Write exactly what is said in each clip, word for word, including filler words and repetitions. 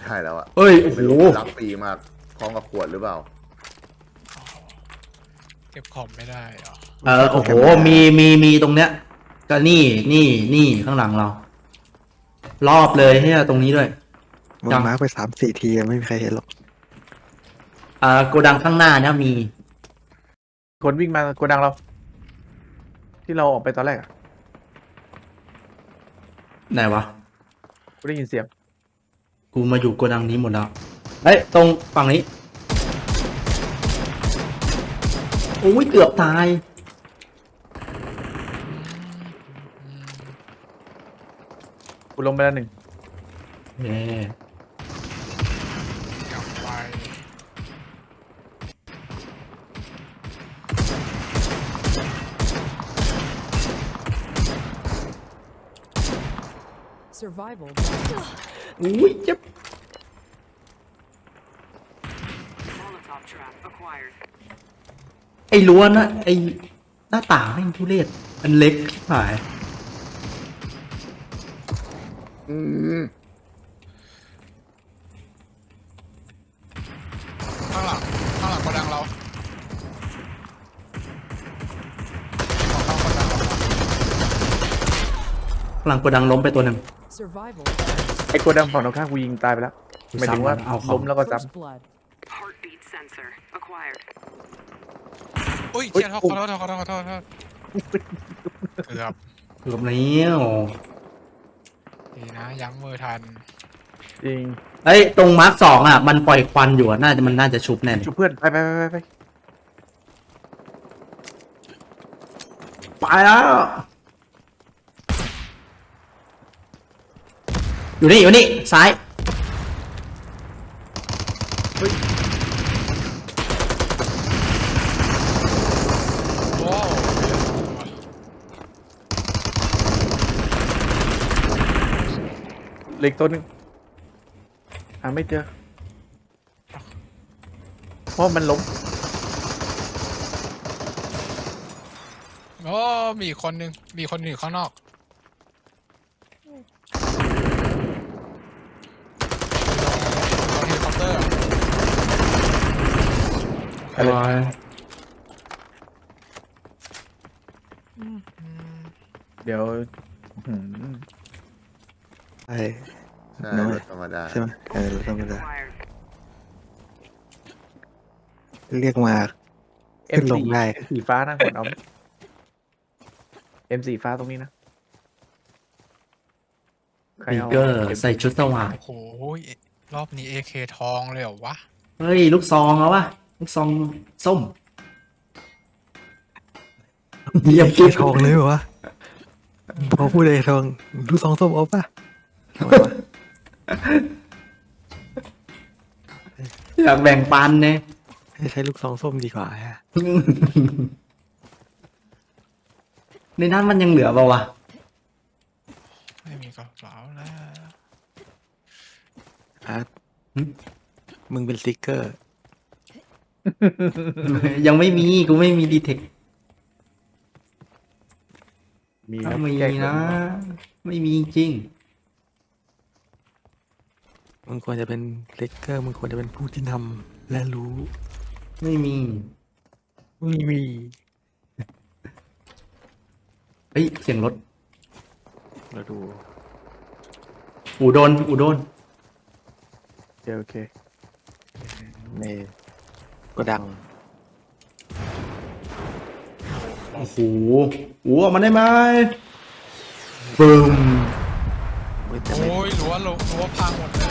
ได้แล้วอะเอ้ยโอ้โหรับฟรีมากพร้อมกับขวดหรือเปล่าเก็บของไม่ได้เหรอเออโอ้โหมีมีมีตรงเนี้ยก็นี่นี่นี่ข้างหลังเรา รอบเลยเนี่ยตรงนี้ด้วยมึงมาร์กไปสามสี่ทีไม่มีใครเห็นหรอกอ่าโกดังข้างหน้าเนี่ยมีคนวิ่งมาโกดังเรา ที่เราออกไปตอนแรกอะไหนวะกูได้ยินเสียงกูมาอยู่โกดังนี้หมดแล้วเฮ้ยตรงฝั่งนี้โอ้ยเกือบตายกูลงไปแล้วหนึ่งเย้กลับไป Survival. อุ้ยเจ็บไอ้ล้วนนะไอ้หน้าต่างแม่งทุเรศอันเล็กชิบหายอืมข้างหลังข้างหลังโกดังเราของเข้าโกดังเราหลังโกดังล้มไปตัวหนึ่ง Survival. ไอ้โกดังฝั่งตรงข้ามกูยิงตายไปแล้วหมายถึงว่าเอาของล้มแล้วก็ซ้ First blood. Heartbeat sensor acquired. อุ้ยเชี่ยขอโทษขอโทษขอโทษขอโทษเกือบเกือบแล้วดีนะยั้งมือทันำจริงเอ้ยตรงมาร์คสองอ่ะมันปล่อยควันอยู่อะน่าจะมันน่าจะชุบแน่เลยชุบเพื่อนไปไปไปไปไปไปแล้วอยู่นี่อยู่นี่ซ้ายโอ้เหล็กตัวหนึ่งหาไม่เจอเพราะมันล้มโอ้มีอีกคนนึงมีคนอยู่ข้างนอกตรงเฮลิคอปเตอร์อะไรเดี๋ยวหืมใช่ใช่น้อยรถธรรมดาใช่ไหมเออรถธรรมดา Acquired. เรียกมาเอ็มขึ้นลงสี่ได้สีฟ้านะกดเอาเอ็มสีฟ้าตรงนี้นะใครบีเอาเกอร์ใส่ชุดสว่างโอ้โหรอบนี้ เอ เค ทองเลยเหรอวะเฮ้ยลูกซองเอาวะลูกซองส้มเรียกเกทองเลยเหรอวะพอพูดเลยทองดูสองส้มเอาป่ะทำไมวะอยากแบ่งปันเนี่ยให้ใช้ลูกซองส้มดีกว่าฮะในนั้นมันยังเหลือเปล่าวะไม่มีกระเป๋าแล้วอาร์ตมึงเป็นสติ๊กเกอร์ยังไม่มีกูไม่มีดีเทคมีถ้านะมีแก้นะ ไม่มีจริงมึงควรจะเป็นสติ๊กเกอร์มึงควรจะเป็นผู้ที่นำและรู้ไม่มีไม่มีเฮ้ยเสียงรถเราดูอูโดนอูโดนโอเคโอเคในกระดังโอ้โหอูออกมาได้ไหมบึมเว้ยแต่ไม่โอ้ยรั้วรั้วพังหมดเลย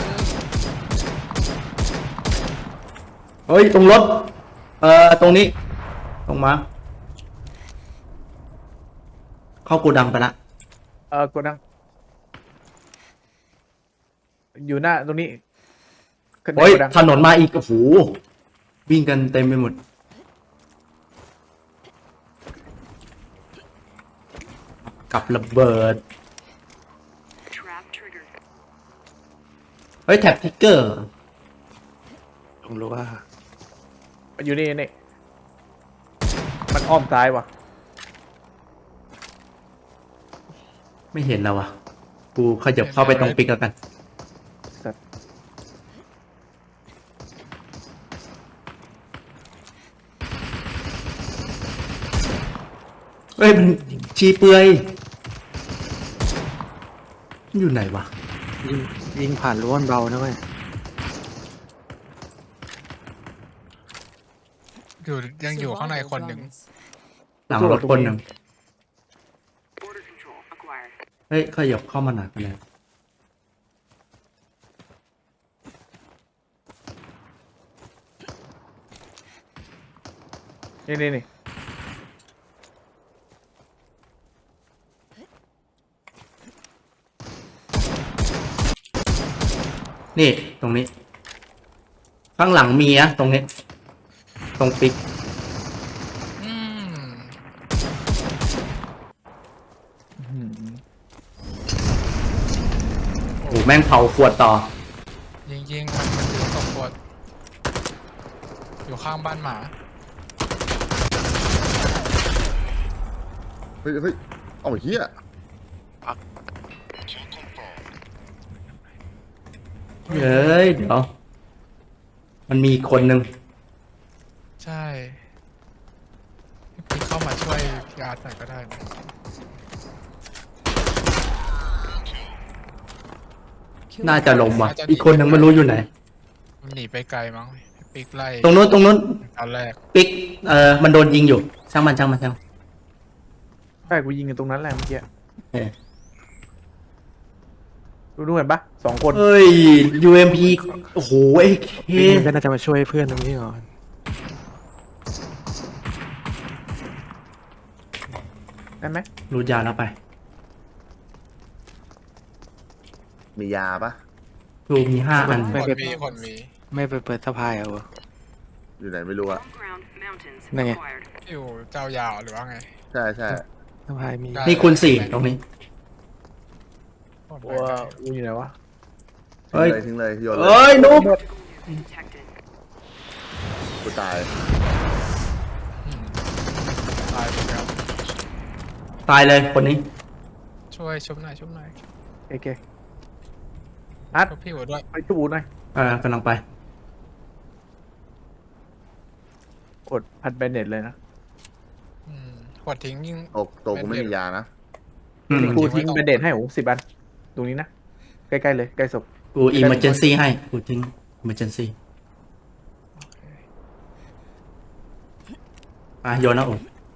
เฮ้ยตรงรถเอ่อตรงนี้ตรงมาเข้าโกดังไปละเออกดดังอยู่หน้าตรงนี้ขึ้นในเฮ้ยโกดังถนนมาอีกโอ้โหวิ่งกันเต็มไปหมดกับระเบิด Trap triggered. เฮ้ยแท็บทิกเกอร์ผมรู้ว่าอยู่นี่นี่มันอ้อมซ้ายว่ะไม่เห็นแล้ววะกูขยับเข้าไปตรงปิกแล้วกันสัตว์เอ้ยมันชีเปลือยมันอยู่ไหนวะยิงยิงผ่านรั้วมันเบานะเว้ยอยู่ยังอยู่ข้างในคนหนึ่งหลังรถคนหนึ่ง Border control acquired. เฮ้ยขยับเข้ามาหนักเลยนี่นี่นี่นี่ตรงนี้ ข้างหลังมีอะตรงนี้ ตรงปิกอืมอื้อหือโอ้โหแม่งเผาขวดต่อยิงยิงๆมันมันอยู่ตรงขวดอยู่ข้างบ้านหมาเฮ้ยเฮ้ยเอาเฮียเฮ้ยเดี๋ยว มันมีอีกคนหนึ่งใช่พี่เข้ามาช่วยพี่อาร์ตหน่อยก็ได้นะน่าจะลงว่ะ อีกคนหนึ่งไม่รู้อยู่ไหนมันหนีไปไกลมั้งพี่ปิ๊กไล่ตรงนู้นตรงนู้นตอนแรกปิก เอ่อ มันโดนยิงอยู่ ช่างมันช่างมันช่างมันใช่กูยิงอยู่ตรงนั้นแหละเมื่อกี้เออดูดูเห็นปะสองคนเฮ้ย ยู เอ็ม พี โอ้โหไอ้เคพี่ก็น่าจะมาช่วยเพื่อนตรงนี้ก่อนได้ไหมรูดยาแล้วไปมียาปะรูมีห้าอันคนมีคนมีไม่ไปเปิดสะพายเอาเหรออยู่ไหนไม่รู้อะ Above ground mountains Này. acquired. อยู่เจ้ายาวหรือว่าไงใช่ใช่สะพายมีได้นี่คูณสี่ตรงนี้ว้ากูอยู่ไหนวะเฮ้ยทิ้งเลยทิ้งเลยโยนเลเอ้ยยนุ๊ก Detected. กูตายอืมตายเหมือนกันตายเลยคนนี้ช่วยชุบหน่อยชุบหน่อยโอเคอัดชุบพี่หัวด้วยไปจูหน่อยอ่ากำลังไปกดพัดแบนเน็ตเลยนะอืมขวดทิ้งยิงโอ้ตัวกูไม่มียานะอืมกูทิ้งแบนเน็ตให้โอ้สิบอันตรงนี้นะใกล้ๆเลยใกล้ศพกู emergency ให้ กูทิ้ง emergency อ่ะโยนนะโอ้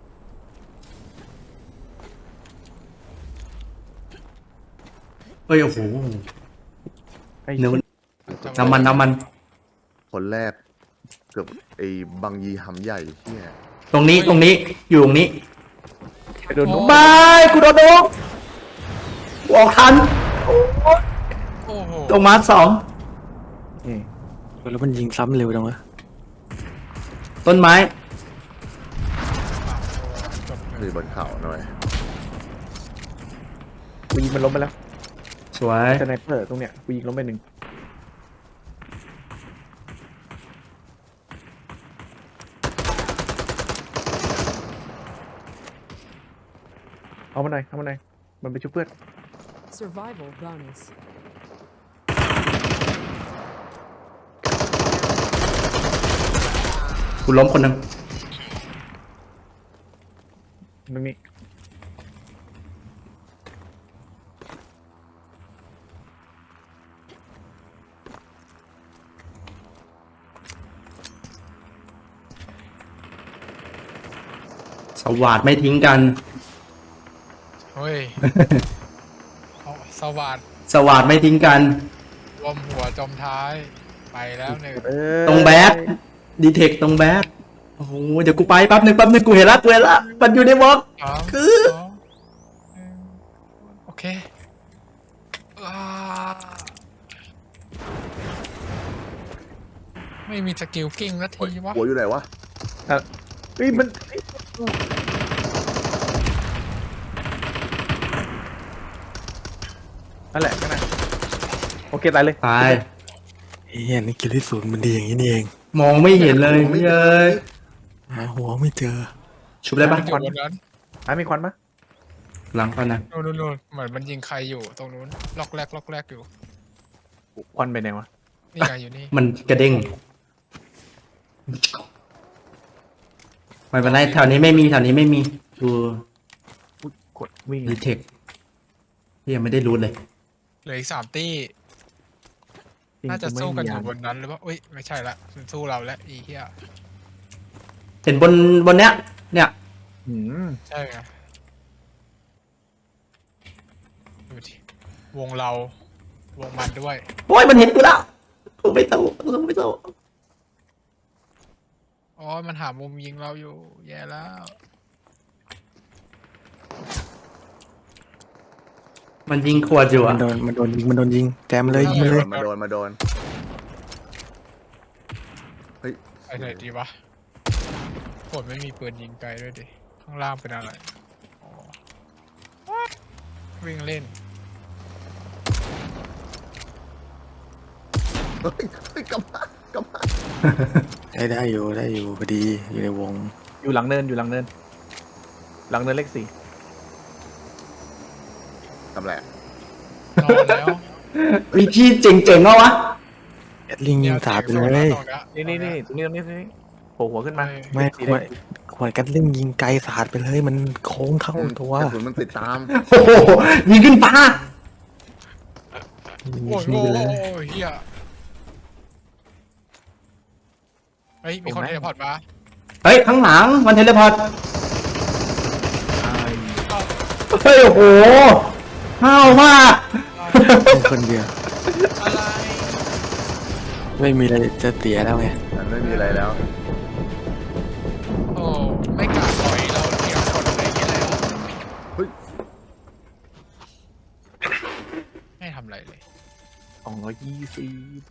เฮ้ย โอ้โหไอ้เนื้อจำน้ำมันน้ำมันคนแรก เกือบไอ้บังยีหำใหญ่เฮียตรงนี้ตรงนี้ อยู่ตรงนี้ไปโดนนกบายกูโดนโดนกูออกทันโอ้โหตรงมาร์คสองนี่แล้วมันยิงซ้ำเร็วจังวะต้นไม้จบเลคืยอบนเขาหน่อยกูยิงมันล้มไปแล้วสวยสไนเปอร์ตรงเนี้ยกูยิงล้มไปหนึ่งเอามาหน่อยเอามาหน่อยมันไปช่วยเพื่อน Survival bonus. กูล้มคนหนึ่งตรงนี้สวัสดไม่ทิ้งกันเฮ้ยเอาสวัสดสวัสดไม่ทิ้งกันรวมหัวจมท้าย ไปแล้วหนึ่งเอ้ยตรงแบดดีเทคตรงแบดโอ้โห เดี๋ยวกูไปแป๊บหนึ่งแป๊บหนึ่งกูเห็นละกูเห็นละมันอยู่ในบล็อกสามคือสองหนึ่งโอเคอ่าไม่มีสกิลกิ้งนาทีวะหัวอยู่ไหนวะอ่ะเฮ้ยมันนั่นแหละนั่นแหละโอเคตายเลยตายเฮียนี่กิลลี่ศูนย์มันดีอย่างนี้นี่เองมองไม่เห็นเลยเฮ้ยหาหัวไม่เจอชุบได้ปะมันอยู่บนนั้นหามีควันปะหลังก่อนนะนู่นนู่นนู่นเหมือนมันยิงใครอยู่ตรงนู้นล็อกแรกล็อกแรกอยู่ควันไปไหนวะนี่ไงอยู่นี่มันกระเด้งไม่เป็นไรแถวนี้ไม่มีแถวนี้ไม่มีดูกดวิ่งรีเทคยังไม่ได้รู้เลยเหลืออีกสามตี้จริงน่าจะไม่สู้กันอยู่มีบนนั้นหรือเปล่าอุ้ยไม่ใช่ละมันสู้เราแล้วอีเหี้ยเห็นบนบนเนี้ย เนี่ยอืมใช่ไงดูดิวงเราวงมันด้วยโอ้ยมันเห็นกูแล้วกูไม่สู้กูไม่สู้อ๋อมันหามุมยิงเราอยู่ แย่แล้วมันยิงขวดอยู่มัอ่ะนโดนมันโดนยิงมันโดนยิงแจมเลยยิงมันเลยมาโดนมาโดน เฮ้ยไปไหนดีวะผมไม่มีปืนยิงไกลด้วยดิ ข้างล่างเป็นอะไรอ๋อวิ่งเล่นเฮ้ยเฮ้ยกลับมากลับมาได้ได้อยู่ได้อยู่พอดีอยู่ในวงอยู่หลังเนินอยู่หลังเนิน หลังเนินเลขสี่ทำไรนอนแล้วมีที่เจ๋งๆเอาวะแอดลิงยิงสาดไปเลยนี่นี่นี่ตรงนี้ตรงนี้ตรงนี้โผล่หัวขึ้นมาไม่สีขแดวดงขวดกัดลิงยิงไกลสาดไปเลย มันโค้งเข้าตัวกระสุนมันติดตามโอ้โหยิงขึ้นฟ้ายิงโอ้ยทิ้งโอ้ไปยเลยโอ้ยเฮียเฮ้ย มีคนเทเลพอร์ตมาเฮ้ย ข้างหลังมันเทเลพอร์ต เฮ้ย โอ้โหห้าวมากมีคนเดียวอะไรไม่มีอะไรจะเสียแล้วไงมันไม่มีอะไรแล้วโอ้ ไม่กล้าปล่อยเราเทียมคนอะไรอย่างเงี้ยเลยเฮ้ยไม่ทำอะไรเลยสองร้อยยี่สิบ